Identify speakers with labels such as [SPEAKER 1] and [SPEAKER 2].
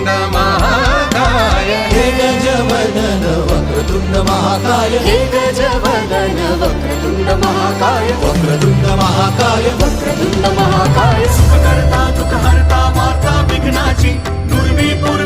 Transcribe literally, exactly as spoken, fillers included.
[SPEAKER 1] महाकाय हे गजवदन वक्रतुंड महाकाय हे गजवदन वक्रतुंड महाकाय वक्रतुंड महाकाय वक्रतुंड महाकाय सुखकर्ता दुःखहर्ता माता विघ्नाची नुर्वी